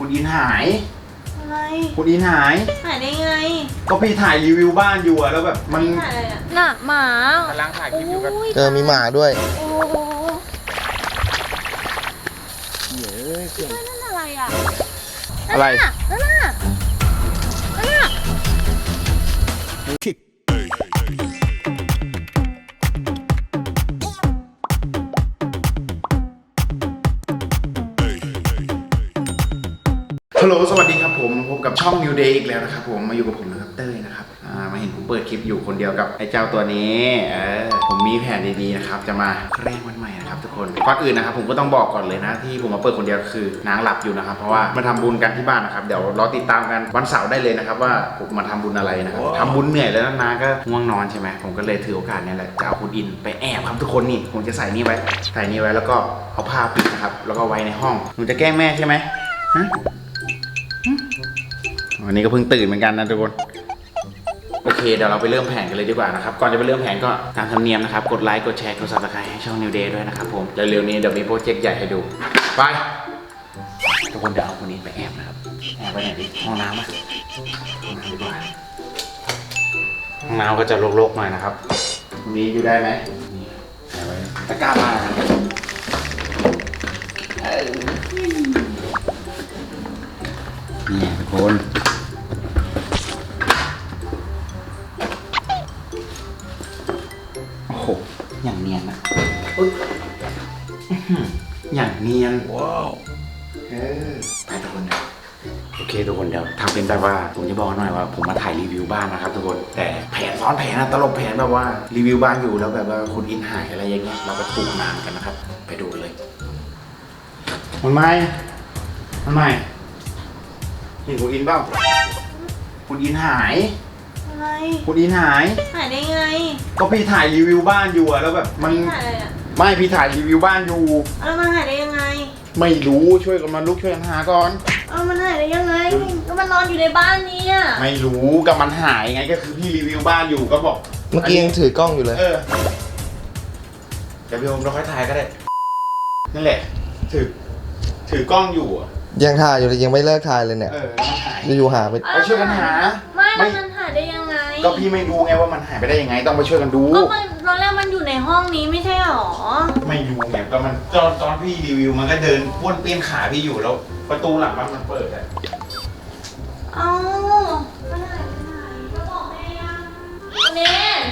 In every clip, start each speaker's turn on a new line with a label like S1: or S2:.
S1: คุณอินหาย
S2: อะไร
S1: คุณอินหาย
S2: ได้ไง
S1: ก็พี่ถ่ายรีวิวบ้านอยู่อะแล้วแบบมัน
S2: ถ่ายอะไรอะน่ะหมาก
S1: ำลังถ่ายคลิปอยู่กับ
S3: มีหมาด้วย
S2: โอ้โหนั่นอะไรอะ
S1: อะไร
S2: นั่นน่ะ
S1: ฮัลโหลสวัสดีครับผมพบกับช่อง New Day อีกแล้วนะครับผมมาอยู่กับผมนะครับเต้ยนะครับมาเห็นผมเปิดคลิปอยู่คนเดียวกับไอ้เจ้าตัวนี้ผมมีแผนดีๆนะครับจะมาแกล้งวันใหม่นะครับทุกคนก่อนอื่นนะครับผมก็ต้องบอกก่อนเลยนะที่ผมมาเปิดคนเดียวคือนางหลับอยู่นะครับเพราะว่ามาทำบุญกันที่บ้านนะครับเดี๋ยวรอติดตามกันวันเสาร์ได้เลยนะครับว่าผมมาทำบุญอะไรนะครับทำบุญเหนื่อยแล้วนางก็ง่วงนอนใช่ไหมผมก็เลยถือโอกาสนี้แหละจะเอาคุณอินไปแอบครับทุกคนนี่ผมจะใส่นี่ไว้แล้วก็เอาผ้าปิดนะครับแล้วก็ไว้ในห้องหนูจะแกล้งแม่ใช่ไหมฮะวันนี้ก็เพิ่งตื่นเหมือนกันนะทุกคนโอเคเดี๋ยวเราไปเริ่มแผนกันเลยดีกว่านะครับก่อนจะไปเริ่มแผนก็ตามธรรมเนียมนะครับกดไลค์กดแชร์กด Subscribe ให้ช่อง New Day ด้วยนะครับผมเร็วๆนี้เดี๋ยวมีโปรเจกต์ใหญ่ให้ดูไปทุกคนเดี๋ยวเอาคนนี้ไปแอบนะครับแอบไปไหนดิห้องน้ำอ่ะห้องน้ำดีกว่าห้องน้ำก็จะรกๆหน่อยนะครับตรงนี้อยู่ได้ไหมนี่แอบไว้ตะกร้ามานี่ทุกคนโอ้โหอย่างเนียนนะอย่างเนียนว้าวไปทุกคนโอเคทุกคนเดี๋ยวทำเป็นแบบว่าผมจะบอกหน่อยว่าผมมาถ่ายรีวิวบ้านนะครับทุกคนแต่แผนซ้อนแผนนะตลบแผนแบบว่ารีวิวบ้านอยู่แล้วแบบว่าคุณอินหายอะไรอย่างเงี้ยเราก็ปลูกนานกันนะครับไปดูเลยมันไม่เห็นคุณอินเปล่าคุณอินหาย
S2: อะไร
S1: คุณอินหาย
S2: ได้ไง
S1: ก็พี่ถ่ายรีวิวบ้านอยู่อะแล้วแบบมัน
S2: ถ่ายอะไรอะ
S1: ไม่พี่ถ่ายรีวิวบ้านอยู่
S2: แล้วมันหายได้ยังไง
S1: ไม่รู้ช่วยกันมาลุกช่วยกันหาก่อน
S2: มันหายได้ยังไงก็มันนอนอยู่ในบ้านนี้อะ
S1: ไม่รู้กับมันหายไงก็คือพี่รีวิวบ้านอยู่ก็บอก
S3: เมื่อกี้ยังถือกล้องอยู่เลย
S1: เดี๋ยวพี่โอมเราค่อยถ่ายก็ได้นั่นแหละถือกล้องอยู่
S3: ยังถ่ายอยู่เลยยังไม่เลิกถ่ายเลยเนี่ย
S1: มันหาย
S3: อยู่หาไป
S1: ช่วยกันหา
S2: ไม่มันหายได้ยังไง
S1: ก็พี่ไม่รู้ไงว่ามันหายไปได้ยังไงต้องไปช่วยกันดู
S2: ก็มันตอนแรกมันอยู่ในห้องนี้ไม่ใช่หรอ
S1: ไม่รู้ไงก็มันตอนพี่รีวิวมันก็เดินป้วนเปี้ยนขาพี่อยู่แล้วประตูหลังบ้านมันเปิดอะ
S2: มันหายไปไหนก็บอกแม่ยังคุณเนน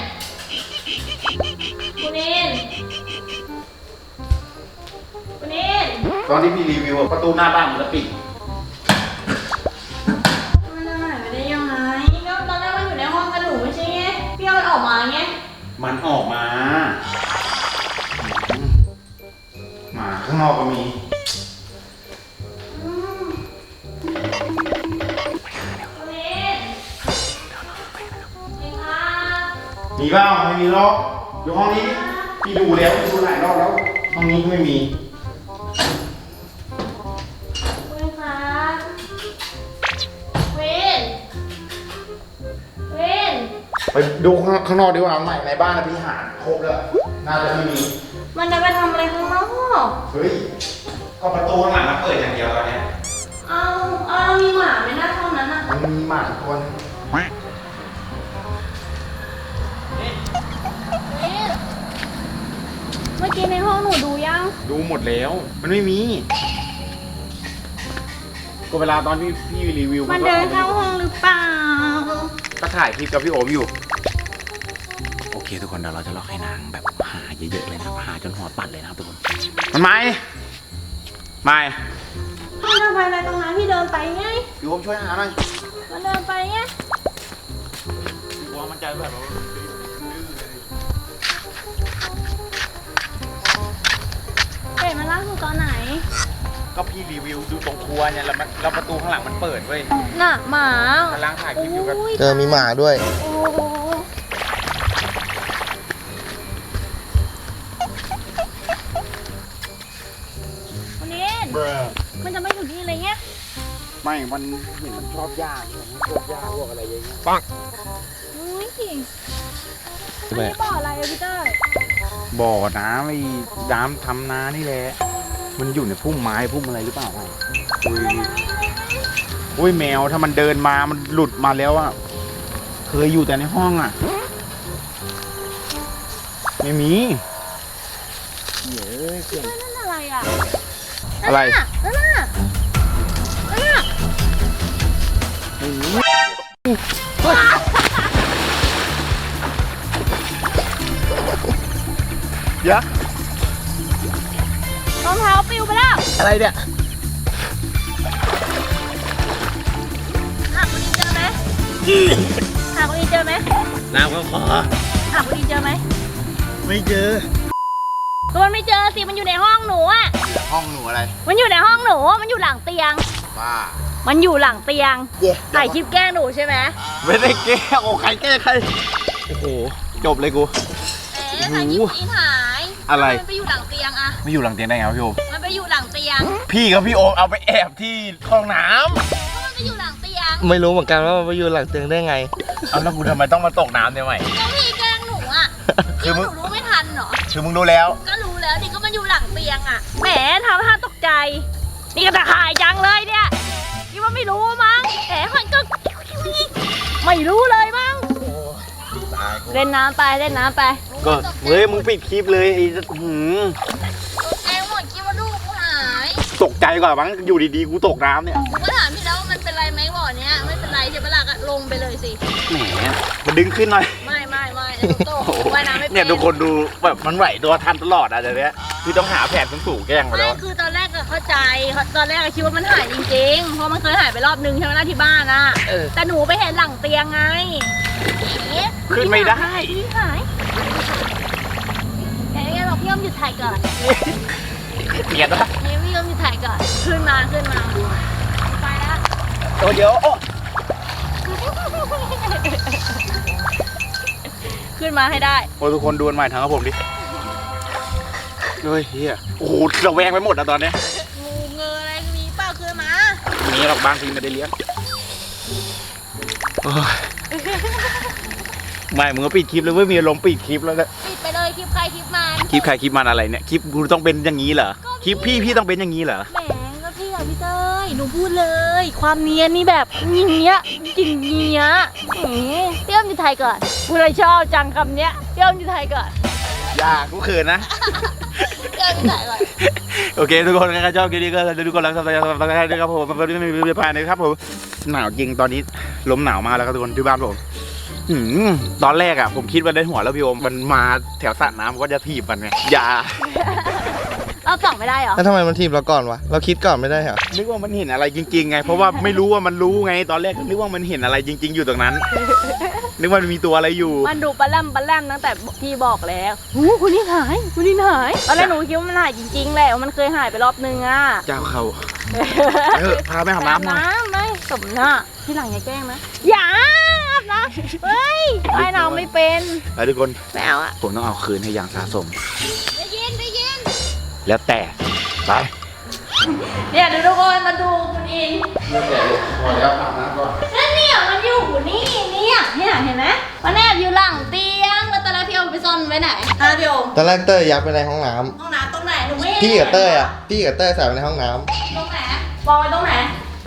S1: ตอนที่พี่รีวิวประตูหน้าบ้านมันจะปิด
S2: มันหายไปได้ยังไงก็ตอนแรกมันอยู่ในห้องกันหนูไม่ใช่ไงพี่เอามันออกมาไง
S1: มันออกมาข้างนอกก็มีมีบ้างไม่มีหรอกอยู่ห้องนี้พี่ดูแล้วดูหลายรอบแล้วห้องนี้ก็ไม่มีไปดูข้างนอกดีกว่าใหม่ในบ้านพี่หาครบแล้วน่าจะไม่มี
S2: มันจะไปทำอะไรข้างนอก
S1: เฮ้ยก็ประตูข้างหลังมันเปิดอย่างเดียวตอนนี้
S2: มีหมาไหมหน้าห้องนั้นอ่ะ
S1: มันมีหมาทุกคน
S2: เมื่อกี้ในห้องหนูดูยัง
S1: ดูหมดแล้วมันไม่มีก็เวลาตอนพี่รีวิว
S2: มันเดินเข้าห้องหรือเปล่า
S1: ก็ถ่ายคลิปกับพี่โอมอยู่โอเคทุกคนเดี๋ยวเราจะล็อกให้นางแบบหาเยอะๆเลยนะหาจนหัวปัดเลยนะครับทุกคนมันไม่
S2: พี่เดินไปอะไรตรงนั้นพี่เดินไปไง
S1: พี่โอมช่วยหาหน่อย
S2: มันเดินไปไง
S1: กลัวมันจะแบบ
S2: เฮ้ยมันล่าสุดตอนไหน
S1: ก็พี่รีวิวดูตรงครัวเนี่ยแล้วประตูข้างหลังมันเปิดเว้ย
S2: น่ะหมาก
S1: ำลังถ่ายคลิปอยู่กับ
S3: มีหมาด้วย
S2: วันนี้มันจะไม่อยู่ที่อะไรเงี้ย
S1: ไม่มันเห็นมันชอบยากพวกอะไรอย่างเงี้ยปัง
S2: ไม่บ่ออะไรพี่เต้ย
S1: บ่อน้ำไอ้น้ำทำนานี่แหละมันอยู่ในพุ่มไม้พุ่มอะไรหรือเปล่าอุ้ยแมวถ้ามันเดินมามันหลุดมาแล้วอะเคยอยู่แต่ในห้องอะไม่มีเยอะเกิน
S2: นั่นอะไรอ่ะ
S1: อะไร
S2: นั่นน่ะ
S1: ไม่มีเดี๋ยว
S2: รองเท้าปิวไปแล้ว
S1: อะไรเนี่ย
S2: หาคุณอินเจอไหมหาคุณอินเจอไหม
S1: น้ำก็ขอ
S2: หาคุณอินเจอไหม
S1: ไม่เจอ
S2: ก็มันไม่เจอสิมันอยู่ในห้องหนูอ่ะ
S1: ห้องหนูอะไร
S2: มันอยู่ในห้องหนูมันอยู่หลังเตียง
S1: บ้า
S2: มันอยู่หลังเตียงถ่ายคลิปแกล้งหนูใช่ไหม
S1: ไม่ได้แก้โอ้ใครแก้ใครโอ้โหจบเลยกู
S2: ถ่ายคลิปอินหาย
S1: อะไร
S2: มันไปอยู่หลังเตียงอะ
S1: ไม่อยู่หลังเตียงได้ไงวะพี่โอม
S2: มันไปอยู่หลังเตียง
S1: พี่กับพี่โอมเอาไปแอบที่ห้องน้
S2: ก็มันไปอยู่หลังเตียง
S3: ไม่รู้เหมือนกันว่ามันไปอยู่หลังเตียงได้ไง
S1: ำเอาแล้วกูทำไมต้องมาตกน้ำเนี่ยใหม่
S2: ก็พี่แกล้งหนูอะ
S1: คือ
S2: ห
S1: มึ
S2: นู
S1: ง
S2: รู้ไม่ทันเหรอ
S1: คือมึงรู้แล้ว
S2: ก็รู้แล้วดิก็มันอยู่หลังเตียงอะแหมทำท่าตกใจ นี่ก็ตะขายจังเลยเนี่ยคิดว่าไม่รู้มั้งแหมมันก็ไม่รู้เลยมั้งเล่นน้ำไปเล่นน้ำไป
S1: ก็เฮ้ยมึงปิดคลิปเลยไอ้หืม
S2: แกหมดคิดว่าลูกกูหาย
S1: ตกใจกว่ามั้งอยู่ดีๆกูตกน้ำเนี่ย
S2: กูก็ถามพี่แล้วว่ามันเป็นไรไหมบ่อเนี้ยไม่เป็นไรใช่ปะล่ะก็ลงไปเลยสิ
S1: แหมมาดึงขึ้นหน่อย
S2: ไม่ไอ้หนูโตว่ายน้ำไม่เป็น
S1: เนี่ยทุกคนดูแบบมันไหวตัวทันตลอดอ่ะเดี๋ยวนี้คือต้องหาแผนสูงๆแกล้งมา
S2: ไม่
S1: แล้ว
S2: คือตอนแรกก็เข้าใจตอนแรกก็คิดว่ามันหายจริงๆเพราะมันเคยหายไปรอบนึงใช่ไหมล่ะที่บ้านอะแต่หนูไปเห็นหลังเตียงไง
S1: ขึ้นไม่ได้
S2: พี่หายแต่ยังไงบอกพี่ยอมหยุดถ่ายก่อน
S1: เกลียดนะ
S2: นี่พี่ยอมหยุดถ่ายก่อนขึ้นมาไปแล้ว
S1: โอ้เดี๋ยวโอ้
S2: ขึ้นมาให้ได้
S1: โอ้ทุกคนดูมันใหม่ทางกับผมดิเฮ้ยเฮียโอ้โหระแวงไปหมดอะตอนเนี้ย
S2: งูเงยอะไรมีเปล่าขึ้นมา
S1: มีหรอกบางทีไม่ได้เลี้ยงโอ้ยไม่มึงก็ปิดคลิปเลยเว้ยมีอารมณ์ปิดคลิปแล้วนะ
S2: ปิดไปเลยคลิปใครคลิปมัน
S1: คลิปใครคลิปมันอะไรเนี่ยคลิปกูต้องเป็นอย่างนี้เหรอคลิปพี่ต้องเป็นอย่างนี้เหรอ
S2: แหมก็พี่อะพี่เต้ยหนูพูดเลย ความเนียนนี่แบบอย่างเงี้ยจริงเงี้ยพี่อ้อมอยู่ไทยก่อนกูเลยชอบจังคำเนี้ยพี่อ้อมอยู่ไทยก่อน
S1: อย่ากูเขินนะ
S2: พี่อ้อมอยู่ไทยก่อน
S1: โอเคทุกคนใครชอบคลิปนี้ก็ดูก่อนแล้วสับสไครต์ด้วยครับผมมันไม่มีผ่านนะครับผมหนาวจริงตอนนี้ลมหนาวมากแล้วครับทุกคนที่บ้านผมตอนแรกอ่ะผมคิดว่าได้หัวแล้วพี่โอมมันมาแถวสระน้ำก็จะถีบมันไงอย่า
S2: เราส่องไม่ได้เหรอ
S3: แล้วทำไมมันทีมเราก่อนวะ เราคิดก่อนไม่ได้เหรอ
S1: นึกว่ามันเห็นอะไรจริงๆไง เพราะว่าไม่รู้ว่ามันรู้ไง ตอนแรกก็นึกว่ามันเห็นอะไรจริง ๆ อยู่ตรงนั้น นึกว่ามันมีตัวอะไรอยู่
S2: มันดูปลาแรมตั้งแต่พี่บอกแล้วหูคุณนี่หายตอนแรกหนูคิดว่ามันหายจริงๆแหละว่ามันเคยหายไปรอบนึงอ่ะ
S1: เจ้าเขาเออพาไปอาบน้ำหน่อย
S2: ไม่สมหน้าที่หลังอย่าแกล้งนะอย่าอาบน้ำเฮ้ยว่ายน้ำไม่เป็น
S1: แล้วทุกคน
S2: ไม่เอาอะ
S1: ผมต้องเอาคืนให้อย่างสะสม
S2: ได้ยิน
S1: แล้วแต่ไป
S2: เนี่ยเดี๋ยวทุกคนมาดูคุณอิน
S1: เริ่มแต่พอแล้วอาบน้ำก่อน
S2: นั่นเนี่ยมันอยู่นี่เนี่ยเห็นไหมมันแอบอยู่หลังเตียงแล้วตอนแรกพี่โอมไปซ่อนไว้ไหนฮะพี่โอม
S3: ตอนแรกเต้ยยัดไปในห้องน้
S2: ห้องน้ำตรงไหนหนูไม่
S3: ำ
S2: เห็น
S3: พี่กับเต้ยใส่ไปในห้องน้
S2: ตรงไหนวางไว้ตรงไหน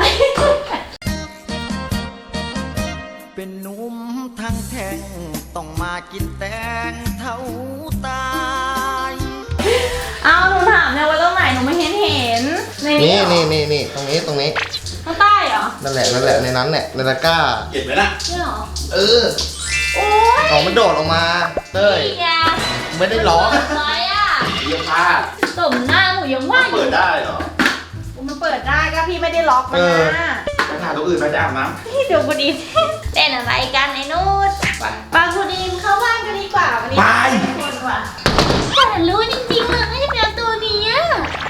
S4: เป็นหนุ่มทางแท่งต้องมากินแตงเท่าตาย
S2: เอาหนูถามเนี่ยไว้ตรงไหนหนูไม่เห็นใน
S3: ำ
S2: นี้
S3: นี่ตรงนี้
S2: ข้างใต้เหรอ
S3: นั่นแหละในนั้นแหละในตะกร้า
S1: เห็นไหมล่ะ
S2: นี่เหรอ
S3: เออ
S2: โอ้ย
S3: ของมันโดดออกมา เต้ย
S2: นี่ไง
S3: ไม่ได้ร้อง
S2: อะไรอ่ะ
S1: เยี่ยมพลาด
S2: สมหน้าหนูยังว่าอยู่
S1: เปิดได้เหรอ
S2: มันเปิดได้ก็พี่ไม่ได้ล็อกมันนะ
S1: ไปถ่ายตัวอื่นไปจะอาบน้
S2: พี่เดี๋ยวคุณอินเล่นอะไรกันไอ้นูด
S1: ำไป
S2: ปาคุณอินเข้าบ้านกันดีกว่าวันนี้
S1: ไป
S2: คนกว่าแต่รู้จริงๆเลยไม่ได้เป็นตัวนี้อะ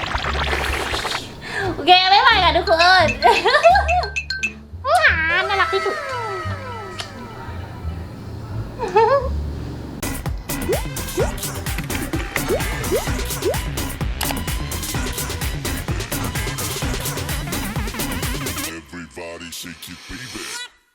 S2: โอเคไม่ไหวกันทุกคนน่ารักที่สุด